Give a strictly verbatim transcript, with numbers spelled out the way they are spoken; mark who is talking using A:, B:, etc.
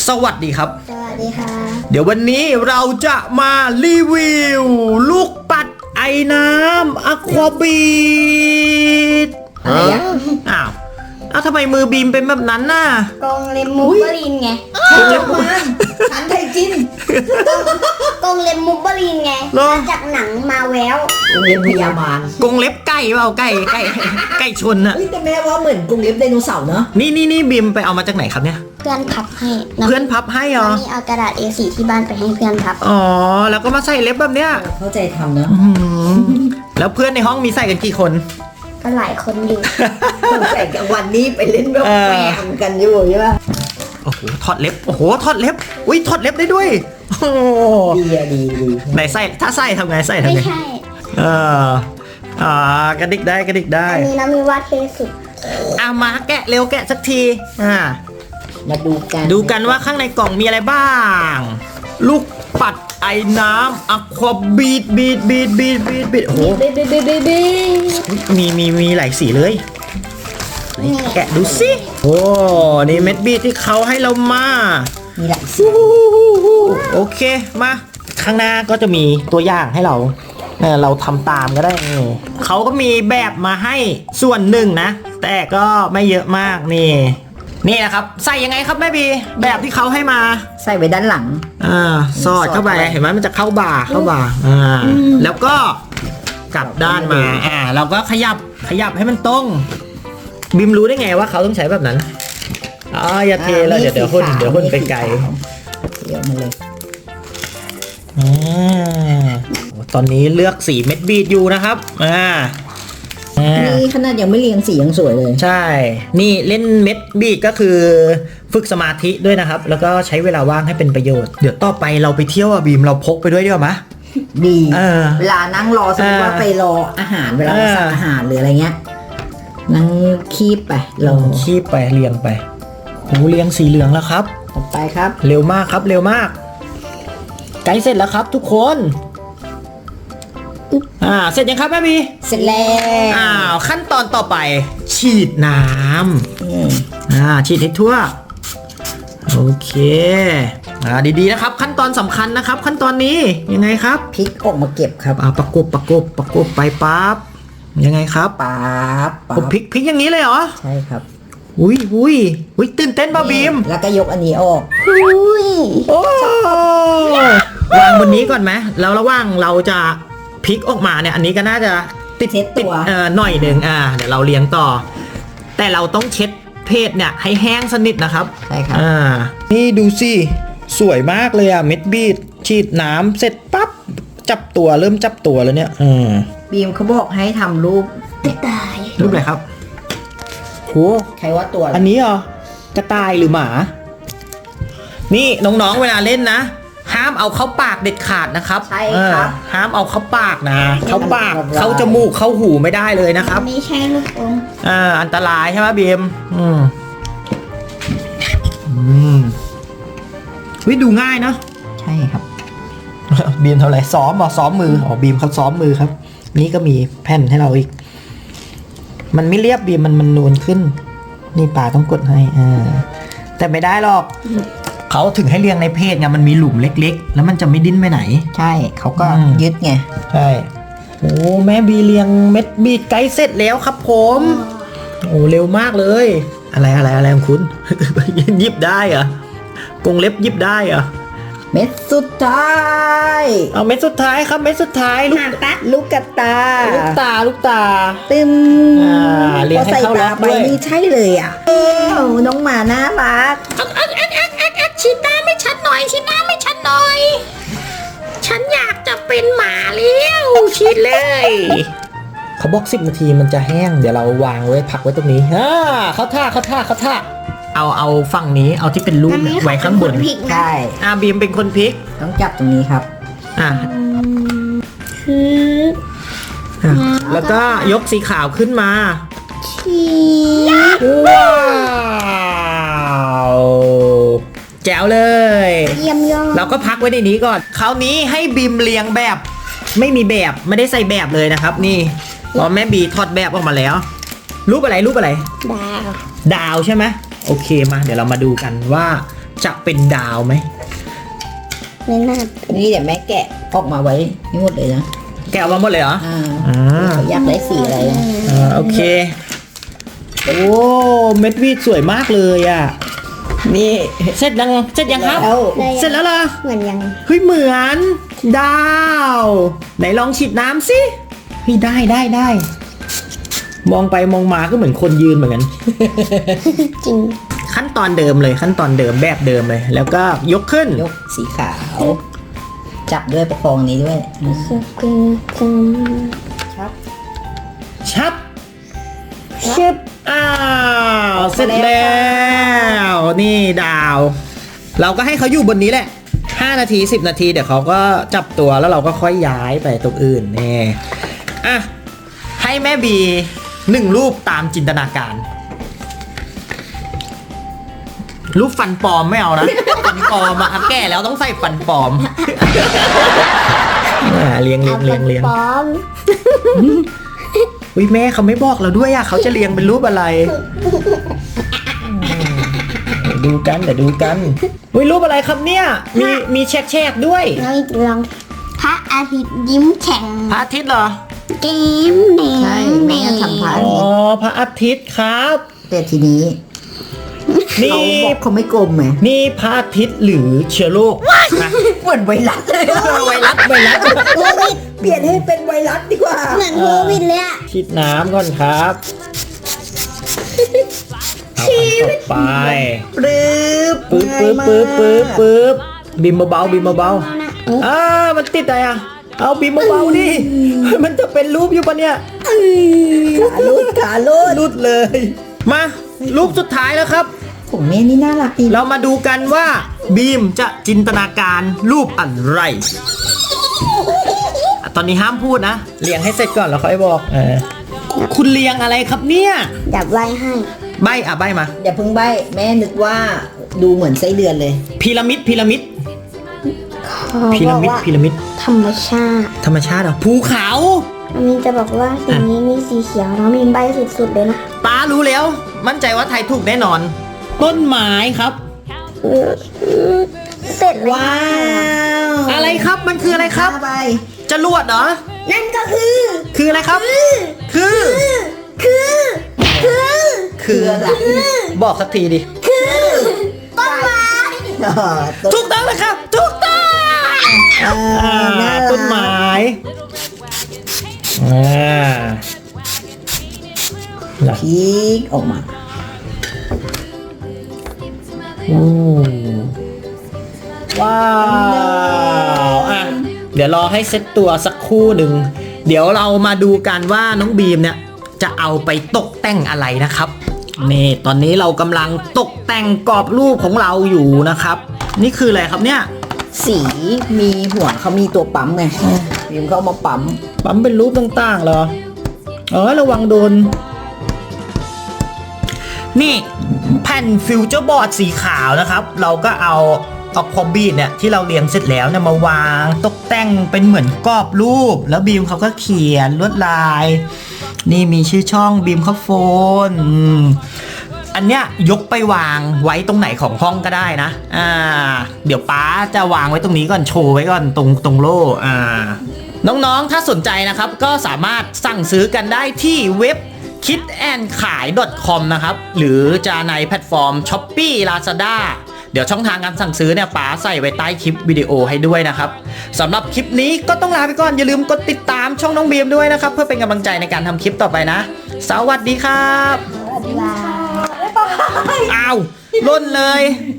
A: สวัสดีครับ
B: สวัสดีค่ะ
A: เดี๋ยววันนี้เราจะมารีวิวลูกปัดไอ้น้ำอควาบีดอะไรอ่ะอ้าวแล้วทำไมมือบีมเป็นแบบนั้นน่ะ
B: กงเลมมูบลีนไง
A: กงเล็บ
C: มันหันไทยจิน
B: กงเลมมูบลีนไงมาจากหนังมาแวว
C: กงเล็บพยามาร
A: กงเล็บไก่เปล่าไก่ไก่ไก่ชนน่ะ
C: แต่แม่ว่าเหมือนกงเล็บไดโนเสาร์เนาะ
A: นี่นี่นี่บีมไปเอามาจากไหนครับเนี่ย
B: เพื่อนพับให้
A: เพื่อนพับให้เหรอ
B: นี่เอากระดาษ เอ โฟร์ ที่บ้านไปให้เพื่อนพับ
A: อ๋อแล้วก็มาใส่เล็บแบบเนี้ย
C: เข้าใจทำเนาะ
A: แล้วเพื่อนในห้องมีใส่กันกี่คน
B: ก็หลายคนอยู่
C: ใส่กันวันนี้ไปเล่นแบบแหวกันอยู่ใช่ป่ะ
A: โอ้โหถอดเล็บโอ้โหถอดเล็บอุ้ยถอดเล็บได้ด้วยโอ้
C: ดีอะดีดี
A: ไหนใส่ถ้าใส่ทำไงใส่ทำไง
B: ไม่ใช่
A: เอออ่ากระดิกได้กระดิกได้
B: อันนี้นะมีวาดเทสุด
A: อ่ะมาแกะเร็วแกะสักทีอ่า
C: มาดูกัน
A: ดูกันว่าข้างในกล่องมีอะไรบ้างลูกปัดไอ้น้ำอควาบีดบีดบีดบีดบีดบีดโอ้โหมีมีมีหลายสีเลยแกะดูสิโอ้นี่เม็ดบีดที่เขาให้เรามา
C: มีหลายสี
A: โอเคมาข้างหน้าก็จะมีตัวอย่างให้เราเราทำตามก็ได้เขาก็มีแบบมาให้ส่วนหนึ่งนะแต่ก็ไม่เยอะมากนี่นี่นะครับใส่ยังไงครับแม่บีแบบที่เขาให้มา
C: ใส่ไว้ด้านหลัง
A: อ่าสอดเข้าไปเห็นไหมมันจะเข้าบ่าเข้าบ่าอ่าแล้วก็กลับด้านมาอ่าเราก็ขยับขยับให้มันตรงบิมรู้ได้ไงว่าเขาต้องใช้แบบนั้นอ๋ออย่าเทแล้วเดี๋ยวเดี๋ยวหุ่นเดี๋ยวหุ่นไปไกล
C: เดี๋ยวมาเลย
A: อ่าตอนนี้เลือกสีเม็ดบีดอยู่นะครับอ่า
C: นี่ขนาดยังไม่เรียงสียังสวยเลย
A: ใช่นี่เล่นเม็ดบีดก็คือฝึกสมาธิด้วยนะครับแล้วก็ใช้เวลาว่างให้เป็นประโยชน์เดี๋ยวต่อไปเราไปเที่ยวอ่ะบีมเราพกไปด้วยดีกว่าไหม
C: ดีเวลานั่งรอสมมติว่าไปรออาหารเวลาสั่งอาหารหรืออะไรเงี้ยนั่งคีบไปรอ
A: คีบไปเรียงไปโอ้เรียงสีเหลืองแล้วครับ
C: ต่อไปครับ
A: เร็วมากครับเร็วมากใกล้เสร็จแล้วครับทุกคนอ่าเสร็จยังครับแม่บี
C: เสร็จแล้ว
A: อ้าวขั้นตอนต่อไปฉีดน้ำอ่าฉีดให้ทั่วโอเคอ่าดีๆนะครับขั้นตอนสำคัญนะครับขั้นตอนนี้ยังไงครับ
C: พลิกออกมาเก็บครับ
A: อ่าประกบประกบประกบไปปั๊บยังไงครับ
C: ปั๊บ
A: ผมพลิกพลิกอย่างนี้เลยเหรอ
C: ใช่ครับ
A: อุ้ยอุ้ยอุ้ยตื่นเต้นป่ะบีม
C: แล้วก็ยกอันนี้ออก
B: อุ้ย
A: โอ้วางบนนี้ก่อนไหมแล้วระหว่างเราจะพลิกออกมาเนี่ยอันนี้ก็น่าจะ
C: ติดเช็ดตัว
A: เอ่อหน่อยหนึ่งอ่าเดี๋ยวเราเลี้ยงต่อแต่เราต้องเช็ดเพจเนี่ยให้แห้งสนิทนะครับ
C: ใช่ครับ
A: อ่านี่ดูสิสวยมากเลยอ่ะเม็ดบีดฉีดน้ำเสร็จปั๊บจับตัวเริ่มจับตัวแล้วเนี่ยอืม
C: บีมเขาบอกให้ทำรูป
B: กระต่าย
A: รูปอะไรครับโห
C: ใครว่าตัว
A: อันนี้เหรอกระต่ายหรือหมานี่น้องๆเวลาเล่นนะห้ามเอาเข้าปากเด็ดขาดนะครับ
C: ใช่ครับ
A: ห้ามเอาเข้าปากนะเข้าปากเข้าจมูกเข้าหูไม่ได้เลยนะครับ
B: ไม่ใช่ลูกอม
A: อ่าอันตรายใช่ไหมบีมอืมอืมวิดูง่ายนะ
C: ใช่ครับ
A: บีมทำอะไรซ้อมเหรอซ้อมมืออ๋อบีมเขาซ้อมมือครับนี่ก็มีแผ่นให้เราอีกมันไม่เรียบบีมมันมันนูนขึ้นนี่ป่าต้องกดให้อ่าแต่ไม่ได้หรอกเขาถึงให้เรียงในเพจไงมันมีหลุมเล็กๆแล้วมันจะไม่ดิ้นไปไหน
C: ใช่เขาก็ยึดไง
A: ใช่โอ้แม่บีเรียงเม็ดบีดไกด์เสร็จแล้วครับผมโอ้เร็วมากเลยอะไรอะไรอะไรของคุณยิบได้เหรอกงเล็บยิบได้เหรอ
C: เม็ดสุดท้าย
A: เอาเม็ดสุดท้ายครับเม็ดสุดท้ายลูก
C: ลูกกระตา
A: ลูกตาลูกตา
C: ตึม
A: อ่าเรียงให้เข้าล็อกด้วย
C: นี่ใช่เลยอ่ะโอ้น้องหมาน่ารัก
B: ชิดหน้าไม่ชัดหน่อยชิดหน้าไม่ชัดหน่อยฉันอยากจะเป็นหมาเลี้ยวชิดเลย
A: เขาบอกสิบนาทีมันจะแห้งเดี๋ยวเราวางไว้พักไว้ตรงนี้ฮ่าเขาท่าเขาท่าเขาท่าเอาเอาฝั่งนี้เอาที่เป็นรูปไว้ข้างบน
C: ใช่
A: อ่าบีมเป็นคนพลิก
C: ต้องจับตรงนี้ครับ
A: อ่าแล้วก็ยกสีขาวขึ้นมาว้าวแจ๋วเลย
B: เยี่ยมยอด
A: เราก็พักไว้ในนี้ก่อนคราวนี้ให้บีมเรียงแบบไม่มีแบบไม่ได้ใส่แบบเลยนะครับนี่พอแม่บีถอดแบบออกมาแล้วรูปอะไรรูปอะไร
B: ดาว
A: ดาวใช่ไหมโอเคมาเดี๋ยวเรามาดูกันว่าจะเป็นดาวไหม
B: ไม่น่า
C: นี่เดี๋ยวแม่แกะออกมาไว้ให้หมดเลยนะ
A: แกะออกมาหมดเลยเหรอ
C: อ่า
A: อ่า
C: เขาอยากได้สีอะไรนะ
A: อ่าโอเคโอ้เม็ดวีดสวยมากเลยอ่ะนี่เสร็จยังเสร็จยังครับ
C: แล้ว
A: เสร็จแล้วเหรอ
B: เหมือนยัง
A: เฮ้ยเหมือนดาวไหนลองฉีดน้ำสิเฮ้ยได้ได้ได้มองไปมองมาก็เหมือนคนยืนเหมือนกัน
B: จริง
A: ขั้นตอนเดิมเลยขั้นตอนเดิมแบบเดิมเลย แล้วก็ยกขึ้น
C: ยกสีขาว จับด้วยประคองนี้ด้วยอืม
B: คือคือคือ
C: ครับ
A: ชับชึบอ้าวเสร็จแล้วนี่ดาว เราก็ให้เขาอยู่บนนี้แหละห้านาทีสิบนาทีเดี๋ยวเขาก็จับตัวแล้วเราก็ค่อยย้ายไปตรงอื่นนี่อ่ะให้แม่บีหนึ่งรูปตามจินตนาการ รูปฟันปลอมไม่เอานะ ฟันปลอมอะแก่แล้วต้องใส่ฟันปลอม อ่าเลี้ยงเลี้ยงเลี้ยงเลี้ยง
B: ปลอม
A: อุ้ยแม่เขาไม่บอกเราด้วยอะเขาจะเรียงเป็นรูปอะไร เดี๋ยวดูกันเดี๋ยวดูกันอุ้ยรูปอะไรครับเนี่ย มีมีแฉกแฉกๆด้วย
B: เราลองพระอาทิตย์ยิ้มแฉ่ง
A: พระอาทิตย์เหรอ
B: เกมแดง
C: ใช่แม่ทำพระ
A: อ๋อพระอาทิตย์ครับ
C: แต่ทีนี้
A: นี่
C: เขาบอกเขาไม่กลมไง
A: นี่พระอาทิตย์หรือเชื้อโรคนะ
C: เหมือนไวรัสเลย
A: ไวรัสไวรัส
B: โควิด
C: เปลี่ยนให้เป็นไวรัสดีกว่า
B: เหมือนโควิดเลยอะ
A: ฉีดน้ำก่อนครับเอาอันต่อไป
C: ปึ๊บ
A: ปึ๊บปึ๊บปึ๊บปึ๊บปึ๊บบิมเบาๆบิมเบาๆอ่ามันติดอะไรอ่ะเอาบิมเบาๆดิมันจะเป็นรูปอยู่ปะเนี่ย
C: ขาลุดขาลุด
A: รุดเลย มารูปสุดท้ายแล้วครับ
C: ผมแม่นี่น่ารักดี
A: เรามาดูกันว่าบีมจะจินตนาการรูปอะไรอ่ะตอนนี้ห้ามพูดนะเรียงให้เสร็จก่อนแล้วค่อยบอกเออคุณเรียงอะไรครับเนี่ย
B: ดับไว้ให้
A: ใบอ่ะใบมา
C: อย่าเพิ่งใบแม่นึกว่าดูเหมือนไส้เดือนเลย
A: พีระมิดพีระมิด
B: เขา
A: พี
B: บ
A: ระ
B: อก
A: มิด
B: ว่า
A: พีระมิด
B: ธรรมชาติ
A: ธรรมชาติเหรอภูเขา
B: อันนี้จะบอกว่าสีนี้มีสีเขียวแล้วมีใบสุดๆเลยนะ
A: ป้ารู้แล้ว มั่นใจว่าไทยถูกแน่นอน ต้นไม้ครับ
B: เสร็จแล้ว
C: ว้าว
A: อะไรครับมันคืออะไรครับ
C: ห้าใบ
A: จรวดเหรอ
B: นั่นก็คือ
A: คืออะไรครับ คือ
B: คือ คือ
A: คือบอกสักทีดิ
B: ต้นไม้
C: อ่าต้น
A: ถูกต้องเลยครับถูกต้อง
C: อ่า
A: อ่า
C: น่ารัก
A: ต้นไม้อ่าล่ะ
C: พลิกออกมา
A: โอ้ว้าวอ่ะเดี๋ยวรอให้เซ็ตตัวสักครู่หนึ่งเดี๋ยวเรามาดูกันว่าน้องบีมเนี่ยจะเอาไปตกแต่งอะไรนะครับนี่ตอนนี้เรากำลังตกแต่งกรอบรูปของเราอยู่นะครับ นี่คืออะไรครับเนี่ย
C: สีมีหัวเขามีตัวปั๊มไงพิมพ์เขาเอามาปั๊ม
A: ปั๊มเป็นรูปต่างๆเหรอเออระวังโดนนี่แผ่นฟิวเจอร์บอร์ดสีขาวนะครับ เราก็เอาเอาคอมบีดเนี่ยที่เราเรียงเสร็จแล้วเนี่ยมาวางตกแต่งเป็นเหมือนกรอบรูป แล้วบีมเขาก็เขียนลวดลาย นี่มีชื่อช่องบีมเขาโฟนอืมอันเนี้ยยกไปวางไว้ตรงไหนของห้องก็ได้นะอ่าเดี๋ยวป๊าจะวางไว้ตรงนี้ก่อนโชว์ไว้ก่อนตรงตรงโล่อ่าน้องๆถ้าสนใจนะครับก็สามารถสั่งซื้อกันได้ที่เว็บ คิดแอนขาย .com นะครับ หรือจะในแพลตฟอร์ม Shopee Lazada เดี๋ยวช่องทางการสั่งซื้อเนี่ยป๋าใส่ไว้ใต้คลิปวิดีโอให้ด้วยนะครับสำหรับคลิปนี้ก็ต้องลาไปก่อนอย่าลืมกดติดตามช่องน้องบีมด้วยนะครับเพื่อเป็นกำลังใจในการทำคลิปต่อไปนะ สวัสดีครับ
B: บ๊ายบาย
A: อ้าวล่นเลย